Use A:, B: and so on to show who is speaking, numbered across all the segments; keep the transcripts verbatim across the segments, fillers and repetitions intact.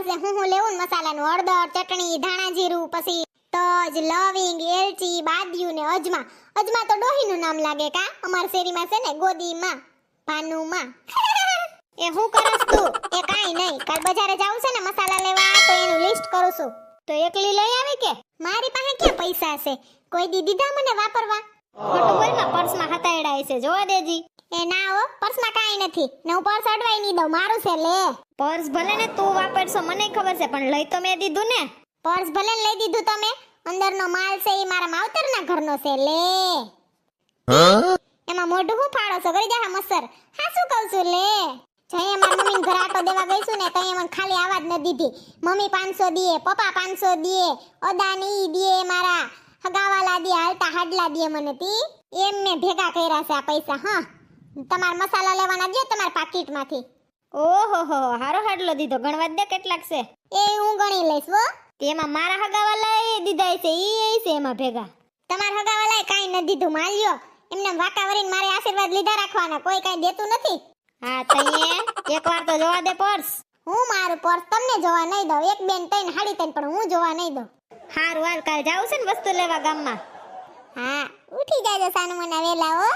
A: છે હું હું લેવું ને મસાલાનું હળદર ચટણી ધાણા જીરું પછી તજ લવિંગ એલચી બાદિયું ને અજમા અજમા તો ડોહીનું નામ લાગે કા અમાર શેરીમાં છે ને ગોદીમાં ભાનુમાં એ હું કરસ તું એ કાઈ નહીં કાલ બજારે જાવું છે ને મસાલા લેવા તો એનું લિસ્ટ કરું છું તો એકલી લઈ આવી કે મારી પાસે ક્યાં પૈસા છે કોઈ દી દીધા મને વાપરવા ખોટું બોલ માં પર્સમાં હતાયડા છે જોવા દેજી એ ના હો પર્સમાં કાઈ નથી ને હું પર્સ અડવાઈ નહીં દઉં મારું છે લે
B: પર્સ ભલે ને તું વાપરશો મને ખબર છે પણ લઈ તો મેં દીધું ને
A: પર્સ ભલે લઈ દીધું તમે અંદરનો માલ છે એ મારા માવતરના ઘરનો છે લે એમાં મોઢું હું ફાડો છો ગઈ જા મસર હા શું કહું છું લે જઈએ મારા મમ્મીને ઘર આટો દેવા ગઈ છું ને તો એ મને ખાલી આવાજ ન દીધી મમ્મી પાંચસો દીએ પપ્પા પાંચસો દીએ અદાની દીએ મારા હગાવાલા દીએ હાલતા હાડલા દીએ મને તી એમ મેં ભેગા કર્યા છે આ પૈસા હા તમાર મસાલા લેવાના દે તમારા પાકીટમાંથી
B: ઓહો હો હારો હાડલો દીધો ગણવા દે કેટલાક છે
A: એ હું ગણી લઈશ હો
B: તેમાં મારા હગાવાલા એ દીધા છે ઈ એ છે એમાં ભેગા
A: તમાર હગાવાલાએ કાઈ ન દીધું માલ્યો એમને વાકાવરીને મારે આશીર્વાદ લીધા રાખવાના કોઈ કાઈ દેતું નથી
B: હા તઈએ એકવાર તો જોવા દે પર્સ
A: હું મારું પર્સ તમને જોવા નહીં દઉં એક બેન તઈને હાડી તઈને પણ હું જોવા નહીં દઉં
B: હારું હાલ કાલ જાવું છે ને વસ્તુ લેવા ગામમાં
A: હા ઉઠી જાજો સાનુ મના વેલા હો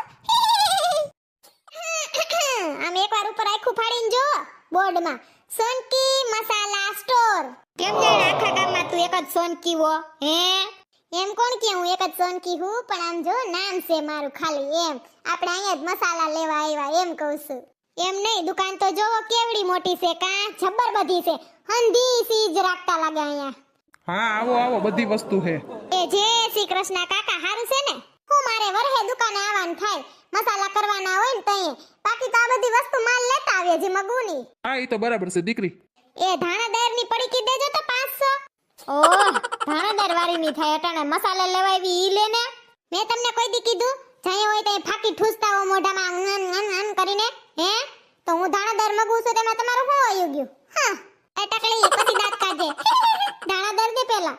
A: આમ એકવાર ઉપર આખું ફાડીને જો બોર્ડમાં સોનકી મસાલા સ્ટોર
B: કેમ જાણે આખા ગામમાં તું એક જ સોનકી હો હે
A: એમ કોણ કે હું એક જ સોનકી હું પણ આમ જો નામ છે મારું ખાલી એમ આપણે અહીંયા જ મસાલા લેવા આવ્યા એમ કહું છું એમ નહીં દુકાન તો જોવો કેવડી મોટી છે કા જબ્બર બધી છે હંધી સીજ રાખતા લાગે અહીંયા
C: હા આવો આવો બધી વસ્તુ છે
A: એ જય શ્રી કૃષ્ણ કાકા હારું છે ને હું મારે વરહે દુકાને આવવાનું થાય મસાલા કરવાના હોય ને તઈએ બાકી તો આ બધી વસ્તુ માલ લેતા આવીએ જે મગુની
C: હા એ તો બરાબર છે દીકરી
A: એ ધાણાદાર ની પડીકી દેજો તો પાંચસો
B: ઓહ ધાણાદાર વાળી ની થાય અટાણે મસાલા લેવાવી ઈ લેને
A: મેં તમને કોઈ દી કીધું જઈએ હોય તો ફાકી ઠૂસતા હો મોઢામાં અન અન અન કરીને હે તો હું ધાણાદાર મગું છું તેમાં તમારું શું આવી ગયું હા એ ટકલી પછી દાંત કાઢે ધાણાદાર દે પેલા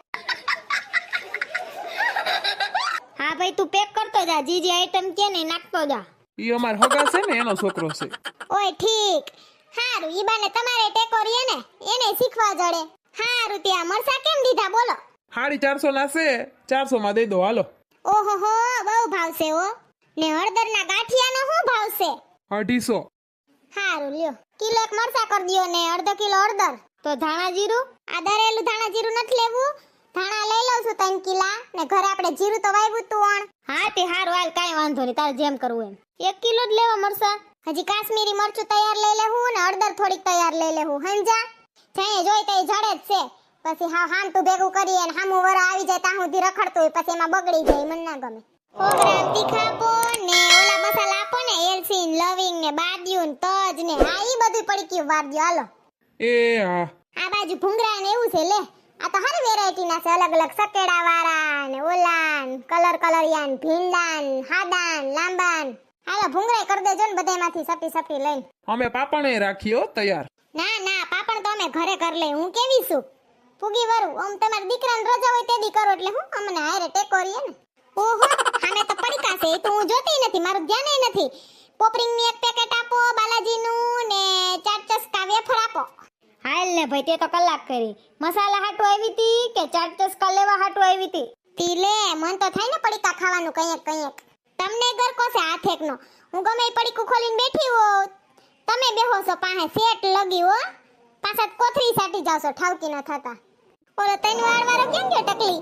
B: હા ભાઈ તું પેક કરતો જા જી જી આઈટમ કે ને નાખતો જા
C: ઈ અમાર હગા છે ને એનો છોકરો છે
A: ઓય ઠીક હારું ઈ બાને તમારે ટેકો રીએ ને એને શીખવા જડે હારું ત્યાં મરસા કેમ દીધા બોલો
C: સાડી ચારસો ના છે ચારસો માં દઈ દો હાલો
A: ઓહો હો બહુ ભાવશે હો ને હળદરના ગાંઠિયાનો શું ભાવશે
C: અઢીસો
A: હારું લ્યો કિલો એક મરસા કર દિયો ને અડધો કિલો હળદર
B: તો ધાણા જીરું
A: આ દરેલું ધાણા જીરું નથી લેવું ધાણા લઈ લઉં છું ત્રણ કિલા ને ઘરે આપણે જીરું તો વાવ્યું તું અણ
B: હા તે હારું હાલ કાઈ વાંધો નહીં તારે જેમ કરવું એમ એક કિલો જ લેવા મરસા
A: હજી કાશ્મીરી મરચું તૈયાર લઈ લેવું ને હળદર થોડીક તૈયાર લઈ લેવું હંજા જઈએ જોઈ તઈ જડે જ છે પછી હા હામ તું ભેગું કરીએ ને હામું વર આવી જાય ત્યાં સુધી રખડતું હોય પછી એમાં બગડી જાય મને ના ગમે સો ગ્રામ તીખા આપો ને ઓલા મસાલા આપો ને એલચી લવિંગ ને બાદિયું ને તજ ને હા ઈ બધું પડી ગયું વાર દ્યો હાલો
C: એ હા
A: આ બાજુ ભૂંગરા ને એવું છે લે આ તો હર વેરાયટી ના છે અલગ અલગ સકેડા વાળા ને ઓલા કલર કલરિયાન ભીંડાન હાદાન લાંબાન હાલો ભૂંગરા કરી દેજો ને બધામાંથી સપી સપી લઈને
C: અમે પાપણે રાખીઓ તૈયાર
A: ના ના પાપણ તો અમે ઘરે કર લે હું કેવી છું ફૂગી વરું આમ તમારા દીકરાને રજા હોય તેદી કરો એટલે હું અમને હારે ટેકો રીએ ને ઓહો હામે તો પડીકા છે એ તો હું જોતી નથી મારું ધ્યાન નથી પોપરિંગ ની એક પેકેટ આપો બાલાજી નું ને ચાર ચસ્કા વેફર આપો
B: હાલ ને ભાઈ તે તો કલાક કરી મસાલા હાટુ આવી તી કે ચાર ચસ્કા લેવા હાટુ આવી તી
A: તી લે મન તો થાય ને પડીકા ખાવાનું કંઈક કંઈક તમને ગરકો છે હાથ એકનો હું ગમે એ પડીકું ખોલીને બેઠી હો તમે બેહો છો પાસે સેટ લગી હો પાછા કોથરી સાટી જાવ છો ઠાવકી ન થતા ઓલો તૈન વાર વારો કેમ ગયો ટકલી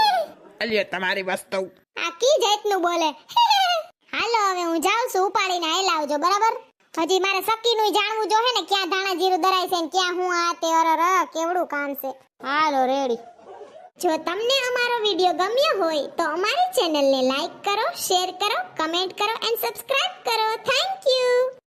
C: અલ્યા તમારી વસ્તુ
A: આ કી જાતનું બોલે હાલો હવે હું જાઉં છું ઉપાડીને આઈ લાવજો બરાબર હજી મારે સકીનું જાણવું જો હે ને ક્યાં ધાણા જીરું દરાય છે ને ક્યાં હું આ તે અરર કેવડું કામ છે
B: હાલો રેડી
A: જો તમને અમારો વિડિયો ગમ્યો હોય તો અમારી ચેનલને લાઈક કરો શેર કરો કમેન્ટ કરો એન્ડ સબસ્ક્રાઇબ કરો થેન્ક યુ